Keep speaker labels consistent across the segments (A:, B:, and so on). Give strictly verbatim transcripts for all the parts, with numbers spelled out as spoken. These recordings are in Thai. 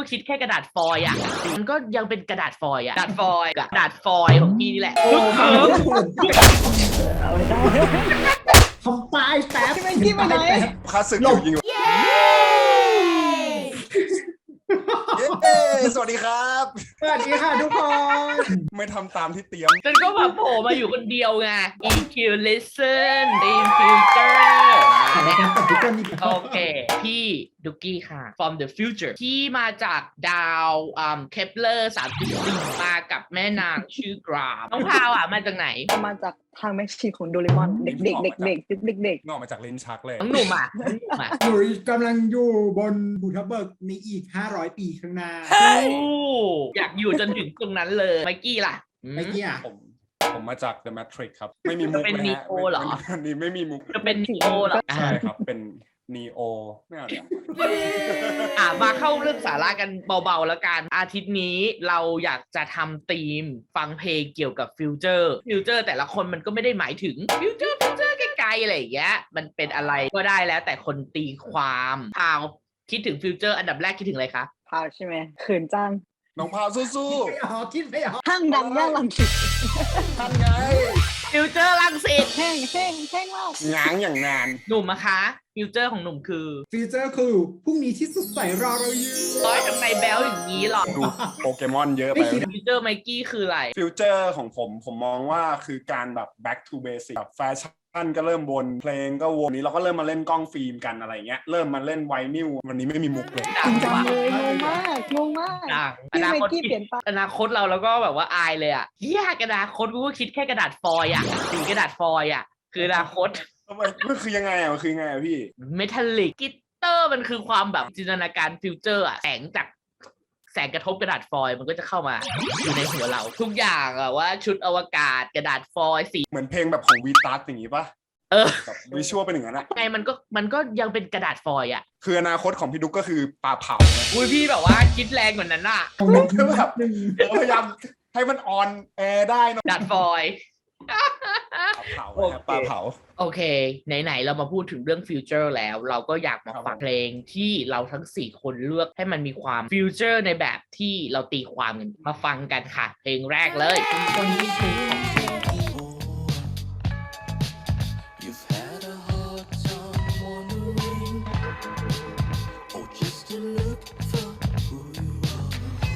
A: คิดแค่กระดาษฟอยล์อ่ะมันก็ยังเป็นกระดาษฟอยล์อ่ะกระดาษฟอยล์กระดาษฟอยล์ของพี่นี่แหละลูกเขิม
B: ทำป้ายแป๊บ
C: ไม่คิดไปไหน
D: คลาสสิกอยู่จริงๆเย้สวัสดีครับ
B: สวัสดีค่ะทุกคน
D: ไม่ทำตามที่เตรียม
A: จนก็แบบโผล่มาอยู่คนเดียวไง อี คิว listen in future
B: ในการตัดทุกคนนี่
A: โอเค พี่ดุกกี้ค่ะ from the future ที่มาจากดาวอืมเคปเลอร์สามจุดสี่มากับแม่นางชื่อกราฟน้องพาวอ่ะมาจากไหน
C: มาจากทางแม็กชีของโดเรมอนเด็กๆเด็กๆเด็กๆเด็ก
D: นอกมาจากลิ้นชักเลย
A: น้องหนุ่มอ่ะน้องหนุ่มอ่ะ
B: หนูกำลังอยู่บนภูทับเบิกในอีกห้าร้อยปีข้างหน้า
A: โอ้อยากอยู่จนถึงตรงนั้นเลยไมกี้ล่ะอืม
B: เมื่อกี้อ่ะ
D: ผมผมมาจาก The Matrix ครับ ไม่มีมุก
A: เป็น
D: นะฮะ
A: Neo เหรอ
D: อันนี้ไม่มีมุก
A: จะเป็นนีโอเหรอ
D: ใช่ครับ เป็น Neo ไม่เอาเดี๋ยว
A: อ่ะมาเข้าเรื่องสาระกันเบาๆแล้วกันอาทิตย์นี้เราอยากจะทำธีมฟังเพลงเกี่ยวกับฟิวเจอร์ฟิวเจอร์แต่ละคนมันก็ไม่ได้หมายถึงฟิวเจอร์ฟิวเจอร์ไกลๆอะไรอย่างเงี้ยมันเป็นอะไรก็ได้แล้วแต่คนตีความพาวคิดถึงฟิวเจอร์อันดับแรกคิดถึงอะไรคะ
C: ๆพาวใช่ไหมเขินจัง
D: น้องพาวสู้
B: ไม่ออกคิดไม่ออก
C: ห้างดังย่านลังสิต
D: ๆท่านไง
A: ฟิวเจอร์ลังสิต
C: แห้งแห้งแห้งมาก
D: ง้างอย่างนาน
A: หนุ่มนะคะฟิวเจอร์ของหนุ่มคือ
B: ฟีเจอร์คือพรุ่งนี้ที่สดใสรอเราอยู่
A: ร้อยทำไมแบลอย่างนี้หรอ
D: ดูโปเกมอนเยอะไป
A: ฟิวเจอร์ไมกี้คืออะไร
D: ฟิวเจอร์ของผมผมมองว่าคือการแบบ back to basic แบบแฟชั่นก็เริ่มวนเพลงก็วนนี้เราก็เริ่มมาเล่นกล้องฟิล์มกันอะไรเงี้ยเริ่มมาเล่นไวนิลวันนี้ไม่มีมุกเลย
C: จริงจังเลยงงมากงงมาก
A: ดังอ
C: พี่
A: นา
C: ไม
A: คต
C: กี้เปลี่ยนไป
A: อนาคตเราแล้วก็แบบว่าอายเลยอ่ะเฮียกระดาษคตกูก็คิดแค่กระดาษฟอยล์อ่ะสีกระดาษฟอยล์อ่ะคืออนาคต
D: ทำไมมันคือยังไงอ่ะมันคือยังไงอ่ะพี่
A: เมทัลลิกกิตเตอร์มันคือความแบบจินตนาการฟิวเจอร์อะแสงจากแสงกระทบกระดาษฟอยล์มันก็จะเข้ามาอยู่ในหัวเรา ทุกอย่างอะว่าชุดอวกาศกระดาษฟอยล์สี
D: เหมือนเพลงแบบของวีตัสอย่างงี้ปะ
A: เออ
D: แบบวิชวลเป็นอย่างนั้นอะ
A: ไงมันก็มันก็ยังเป็นกระดาษฟอยล์อะ
D: คืออนาคตของพี่ดุ๊กก็คือปลาเผานะ
A: อุ้ยพี่แบบว่าคิดแรงกว่านั้นอะ
D: คือแบบพยายามให้มันออนแอร์ได้เนอะ
A: กระดาษฟอยล์
D: ปลาเผานะครับปลาเผา
A: โอเคไหนๆเรามาพูดถึงเรื่องฟิวเจอร์แล้ว เราก็อยากมา
D: ครับ
A: ฟังเพลงที่เราทั้งสี่คนเลือกให้มันมีความฟิวเจอร์ในแบบที่เราตีความกันมาฟังกันค่ะ เพลงแรกเลยคนนี้คือของ
E: You've had a hard time wondering, or just to look for who you are.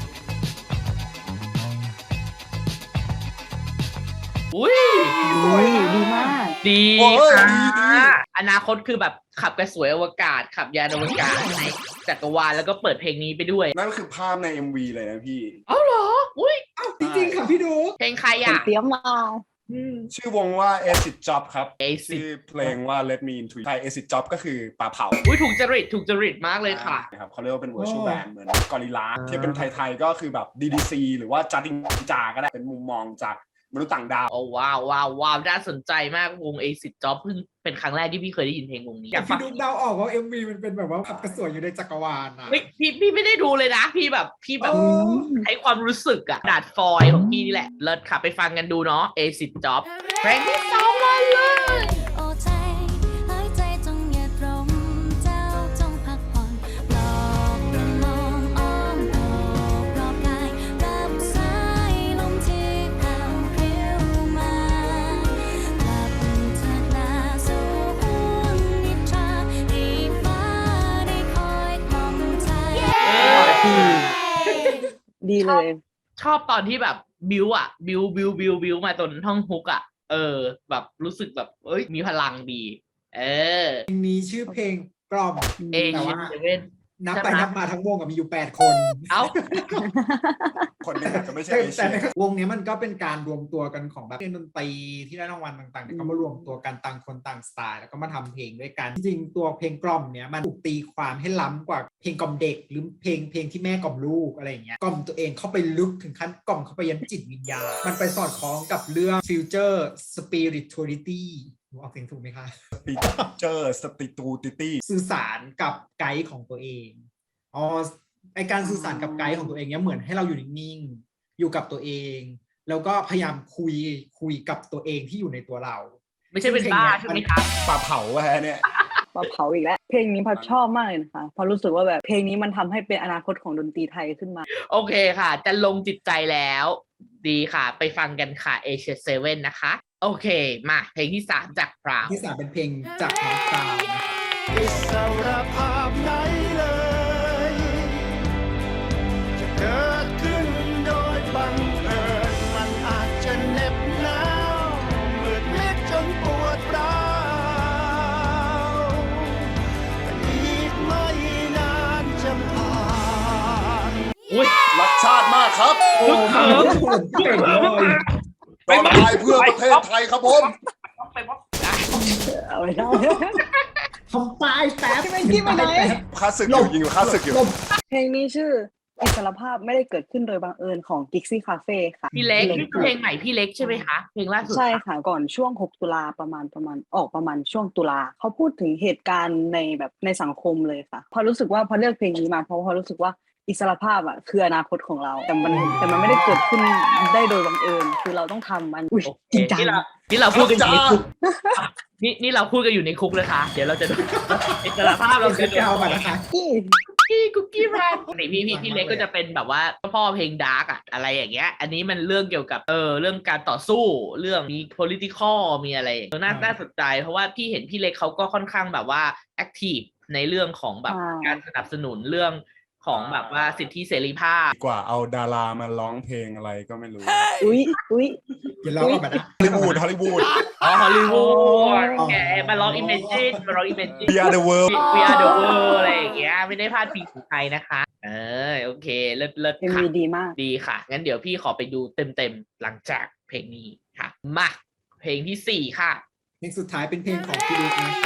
A: อุ้ย
C: อุ้ยดีมาก
A: ดี
D: โอ้ย
A: ค่ะ
D: ดีดี
A: อนาคตคือแบบขับกระสวยอวกาศ ขับยานอวกาศในจักรวาลแล้วก็เปิดเพลงนี้ไปด้วย
D: นั่นคือภาพใน เอ็ม วี เลยนะพี่
A: เอ้าเหรอ อุ้ย
B: อ้าวจริงๆค่ะพี่ดู
A: เพลงใคร
C: ผม
A: อ่ะ
C: เตรียมมา
A: อืม
D: ชื่อวงว่า Acid Job ครับ
A: Acid
D: ชื่อเพลงว่า Let Me Into You ใช่ Acid Job ก็คือปลาเผา
A: อุ้ยถูกจริตถูกจริตมากเลยค่ะ
D: นะครับเขาเรียกว่าเป็น virtual
B: โอ้
D: band เหมือนกอริลลาที่เป็นไทยๆก็คือแบบ ดี ดี ซี หรือว่าจัดดิงจาก็ได้เป็นมุมมองจากมนุษย์ต่างดาว
A: โอ้ว้าวว้าวว้าวน่าสนใจมากวง Acid Job เพิ่งเป็นครั้งแรกที่พี่เคยได้ยินเพลงวงนี้อยากฟั
B: พี่
A: ง
B: ดูเดาออกว่า เอ็ม วี มันเป็นแบบว่าขับกระสวยอยู่ในจักรวาลนะ
A: เฮ้ยพี่พี่ไม่ได้ดูเลยนะ พี่แบบพี่แบบ
B: โอ้
A: ใช้ความรู้สึกอะดาดฟอยล์ของพี่นี่แหละเลิศค่ะไปฟังกันดูเนาะ Acid Job เพลงที่สองมาเลย
F: โอ้ใจหายใจจงอย่าตรมเจ้าจงพักผ่อนปลอบประโลมอ้อมโอบรอบกายรับสายลมที่แผ่วพริ้วมากลับเถิดหน้าสู่ห่วงนิทราให้ฟ้าได้คอยกล่อมใจ
C: ดีเลย
A: ชอบตอนที่แบบบิวอะบิวบิวบิวบิวมาจนท่องฮุกอะเออ แบบรู้สึกแบบเอ้ยมีพลังดี เออ
B: เพลงนี้ชื่อเพลงกล่อม
A: เอ
B: แต่
A: เชีย
B: ว่า
A: เซเว่น
B: นับไป
A: ใช่ไหม
B: นับมาทั้งวงกับมีอยู่แปดคน
A: เอ้า
D: คนหนึงอาจจะไม่ใช่
B: แต่
D: เอเชี
B: แต่
D: ย
B: ในวงนี้มันก็เป็นการรวมตัวกันของแบบเล่นดนตรีที่ได้รางวัลต่างๆเนี่ยก็มารวมตัวกันต่างคนต่างสไตล์แล้วก็มาทำเพลงด้วยกัน จริงๆตัวเพลงกล่อมเนี่ยมันถูกตีความให้ล้ำกว่าเพลงกล่อมเด็ก หรือเพลงเพลงที่แม่กล่อมลูกอะไรอย่างเงี้ยกล่อมตัวเองเข้าไปลึกถึงขั้นกล่อมเข้าไปยันจิตวิญญาณมันไปสอดคล้องกับเรื่อง future spirituality หนูออกเสียงถูกไหมคะ
D: ปีเจอร์สติตูติตี้
B: สื่อสารกับไกด์ของตัวเองอ๋อไอการสื่อสารกับไกด์ของตัวเองเนี้ยเหมือนให้เราอยู่นิ่งๆอยู่กับตัวเอง แล้วก็พยายามคุยคุยกับตัวเองที่อยู่ในตัวเรา
A: ไม่ใช่เป็นบ้าใช่ไหมครับ
D: ปลาเผาอะฮะเนี่ย
C: มาเผาอีกแล้วเพลงนี้พัดชอบมากเลยนะคะเพราะรู้สึกว่าแบบเพลงนี้มันทำให้เป็นอนาคตของดนตรีไทยขึ้นมา
A: โอเคค่ะ จะลงจิตใจแล้ว ดีค่ะ ไปฟังกันค่ะ เอเชีย เซเว่น นะคะ โอเค มาเพลงที่สามจากพราว
B: ที่สามเป็นเพลงจากน้องพราวนะคะ
E: อิสรภาพไหนเลย จะเกิดขึ้นโดยบังเอิญมันอาจจะเหน็บหนาวมืดมิดจนปวดร้าวแต่อีกไม่นานจะผ่าน
A: อุ้ย
D: รักชาติมากครับ
A: ลูกเขิม
B: เก่งเลย
D: ต้องตายเพื่อประเทศไทยครับผม
A: ไปพบ
C: เอาไว้ได้
B: ทำปลายแป๊บ
C: ที่ไม่ที่ไม่ไหน
D: ค่าศึกอยู่ยิงอยู่ค่าศึกอยู่
B: ลม
C: เพลงนี้ชื่ออิสรภาพไม่ได้เกิดขึ้นโดยบังเอิญของ Gixie Cafe ค่ะ
A: พี่เล็กนี่คือเพลงใหม่พี่เล็กใช่ไหมคะ เพลงล่าสุด
C: ใช่ค่ะก่อนช่วงหกตุลาประมาณประมาณออกประมาณช่วงตุลาเขาพูดถึงเหตุการณ์ในแบบในสังคมเลยค่ะพอรู้สึกว่าพอเลือกเพลงนี้มาเพราะพอรู้สึกว่าอิสรภาพอ่ะคืออนาคตของเรา แต่มันแต่มันไม่ได้เกิดขึ้นได้โดยบังเอิญคือเราต้องทำมันอุ้ย
A: โอเค
C: จริงจัง
A: นี่เรานี่เราพูดกันอยู่ในคุกนี่นี่เราพูดกันอยู่ในคุกเลยค่ะ เดี๋ยวเราจะดูอิสรภาพเรา
B: เรา
A: จะ
B: จะเอามานะคะ
C: นี่
A: พี่กุ๊กกี้รันนี่พี่พี่พี่เล็กก็จะเป็นแบบว่าพ่อเพลงดาร์กอะอะไรอย่างเงี้ย อันนี้มันเรื่องเกี่ยวกับเออเรื่องการต่อสู้เรื่องมี political มีอะไรเออน่าน่าสนใจเพราะว่าพี่เห็นพี่เล็กเขาก็ค่อนข้างแบบว่า active ในเรื่องของแบบการสนับสนุนเรื่องของแบบว่าสิทธิเสรีภาพ
D: กว่าเอาดารามาร้องเพลงอะไรก็ไม่รู้
C: อุ้ยอุ้ย
B: เดี๋ยวเราเอามานะ
D: ฮอลลีวูดฮอลลีวูด
A: อ๋อฮอลลีวูด
B: อ๋อ
A: แกมาร้อง Imagine มาร้อง Imagine
D: We are the world
A: We are the world อะไรอย่างเงี้ยไม่ได้พลาดพิงถึงใครนะคะ เออโอเคเลิศเลิศ
C: เอ็ม
A: ค่ะ
C: วีดีมาก
A: ดีค่ะ งั้นเดี๋ยวพี่ขอไปดูเต็มๆ หลังจากเพลงนี้ค่ะ มาเพลงที่สี่ค่ะ
B: เพลงสุดท้ายเป็นเพลงของพี่ลูกนะคะ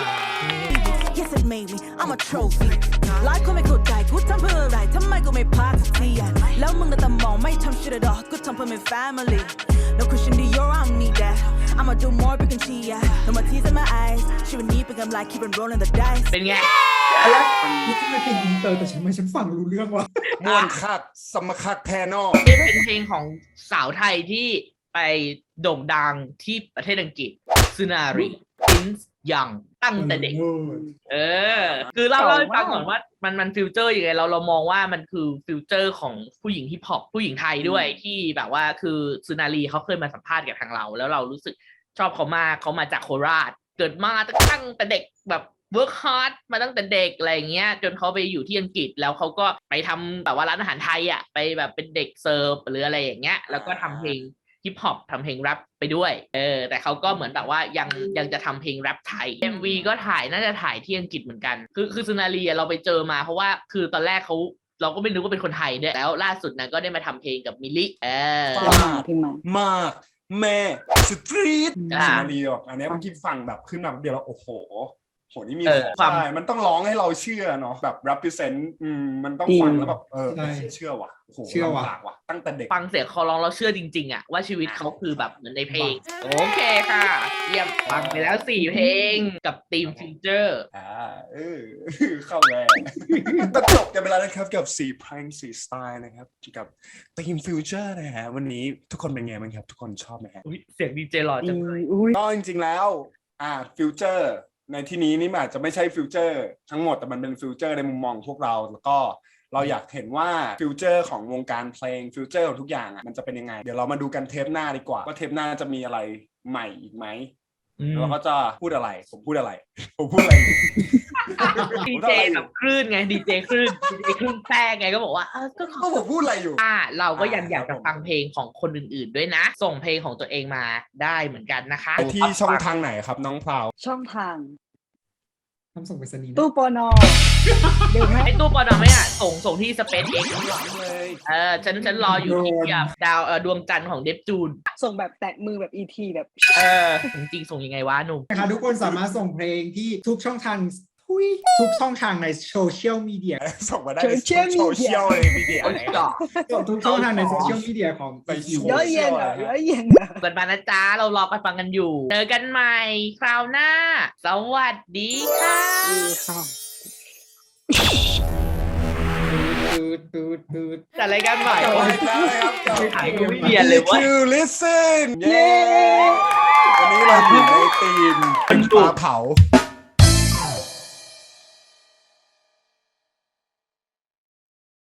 G: Yes, it made me. I'm a trophy. หลายคนไม่เข้าใจกูทำเพื่ออะไรทำไมกูไม่พาสักทีอะแล้วมึงน่ะแต่มองไม่ทำ shit at all กูทำเพื่อ my family. No Christian Dior, I don't need that. I'ma do more big and cheer. No more tears in my eyes. ชีวิตนี้เป็นกำไร keep on rolling the dice.
A: เป็นไง
B: นี่คือเพลงอินเตอร์แต่ฉันไม่ฉันฟังรู้เรื่องว่ะ
D: ม่วนคักสมคักแทนอ
A: นี่เป็นเพลงของสาวไทยที่ไปโด่งดังที่ประเทศอังกฤษซูนารีอินส์ยังตั้งแต่เด็ก เออ คือเล่าเล่าให้ฟังก่อนว่ามันมันฟิวเจอร์ยังไงเราเรามองว่ามันคือฟิวเจอร์ของผู้หญิงฮิปฮอปผู้หญิงไทยด้วยที่แบบว่าคือซูนารีเขาเคยมาสัมภาษณ์กับทางเรา แล้วเรารู้สึกชอบเขามากเขามาจากโคราช เกิดมาตั้งแต่เด็กแบบเวิร์กฮาร์ดมาตั้งแต่เด็กอะไรเงี้ยจนเขาไปอยู่ที่อังกฤษแล้วเขาก็ไปทำแบบว่าร้านอาหารไทยอ่ะไปแบบเป็นเด็กเสิร์ฟหรืออะไรอย่างเงี้ยแล้วก็ทำเพลงฮิปฮอปทำเพลงแรปไปด้วยเออแต่เขาก็เหมือนแบบว่ายังยังจะทำเพลงแรปไทย เอ็ม วี ก็ถ่ายน่าจะถ่ายที่อังกฤษเหมือนกันคือคือซูนารีเราไปเจอมาเพราะว่าคือตอนแรกเขาเราก็ไม่รู้ว่าเป็นคนไทยด้วยแล้วล่าสุดนะก็ได้มาทำเพลงกับมิลลิเออ
C: ที่มาที่มา
D: มากแม่สตรีท
A: อ่า
D: นารีแบบอันเนี้ยเมื่อกี้ฟังแบบขึ้นมาเดียวแล้วโอ้โหโหนี่มี
A: เออ
D: ของ
A: ความ
D: ใช่มันต้องร้องให้เราเชื่อเนาะแบบ represent อืมมันต้องฟังแล้วแบบเออ
B: ใช่
D: เชื่อว่ะโอ้โห
B: เชื่อว่ะ
D: ลำบากว่ะตั้งแต่เด็ก
A: ฟังเสียงเขาร้องเราเชื่อจริงๆอะว่าชีวิตเขาคือแบบเหมือนในเพลง โอเคค่ะ เยี่ยมฟังไปแล้วสี่เพลงกับทีมฟิวเจอร์
D: อ่าเออ เข้าแรงก็จบกันไปแล้วนะครับกับสี่เพลงสี่สไตล์นะครับกับทีมฟิวเจอร์นะฮะวันนี้ทุกคนเป็นไงบ้างครับทุกคนชอบไหมฮะ
A: อุ๊ยเสียงดีเจหล่อจังเลย
C: อุ้ย
D: ก็จริงๆแล้วอ่าฟิวเจอร์ในที่นี้นี่มันอาจจะไม่ใช่ฟิวเจอร์ทั้งหมดแต่มันเป็นฟิวเจอร์ในมุมมองพวกเราแล้วก็เราอยากเห็นว่าฟิวเจอร์ของวงการเพลงฟิวเจอร์ของทุกอย่างอ่ะมันจะเป็นยังไงเดี๋ยวเรามาดูกันเทปหน้าดีกว่าว่าเทปหน้าจะมีอะไรใหม่อีกไหม
A: อืม
D: แล้วก็จะพูดอะไรผมพูดอะไรผมพูดอะไร
A: ดีเจแบบคลื่นไงดีเจคลื่นดีเจคลื่นแทรกไงก็บอกว่าเออก็ข
D: ก็
A: อ
D: ผมพูดอะไรอยู่
A: อ่าเราก็ยัง
D: อ่า
A: อยากจะ
D: ครับผม
A: ฟังเพลงของคนอื่นๆด้วยนะ ส่งเพลงของตัวเองมาได้เหมือนกันนะคะ
D: ไปที่ช่องทางไหนครับน้องพราว
C: ช่องทาง
B: ทำส่งไปสนีย์นะ
C: ตู้ปอนอเดี๋ยวไหม
A: ไอตู้ปอนอไม่อ่ะส่งส่งที่ SpaceX
D: เลย
A: เออฉันฉันรออยู่ที่แบบดาวเออดวงจันทร์ของเดฟจูน
C: ส่งแบบแตะมือแบบ อี ที แบบ
A: เออจริงๆส่งยังไงวะหนุ่ม
B: นะคะทุกคนสามารถส่งเพลงที่ทุกช่องทางทุยทุกช่องทางในโซเชียลมีเดีย
D: ส่งมาได้ในโซเชียลเลยมีเดียไหน
B: ส่งทุกช่องทางในโซเชียลมีเดียของ
D: ไป
B: อี คิว
C: เยอะเย็นเหรอเยอะเย็นอะ
A: กันมานะจ๊ะเรารอกันฟังกันอยู่ เจอกันใหม่คราวหน้า สวัสดีค่ะ
C: ดีค่ะ
B: ตืดตืดตืด
A: จัดรายการใหม่
B: จัด
D: ไป
B: รายการ
D: แล้วนะครับ
A: ถ่ายก็ไม่เรียนเลยเวะ
D: to listen เย้วันนี้เราอยู่ในทีมเป็นปลาเผา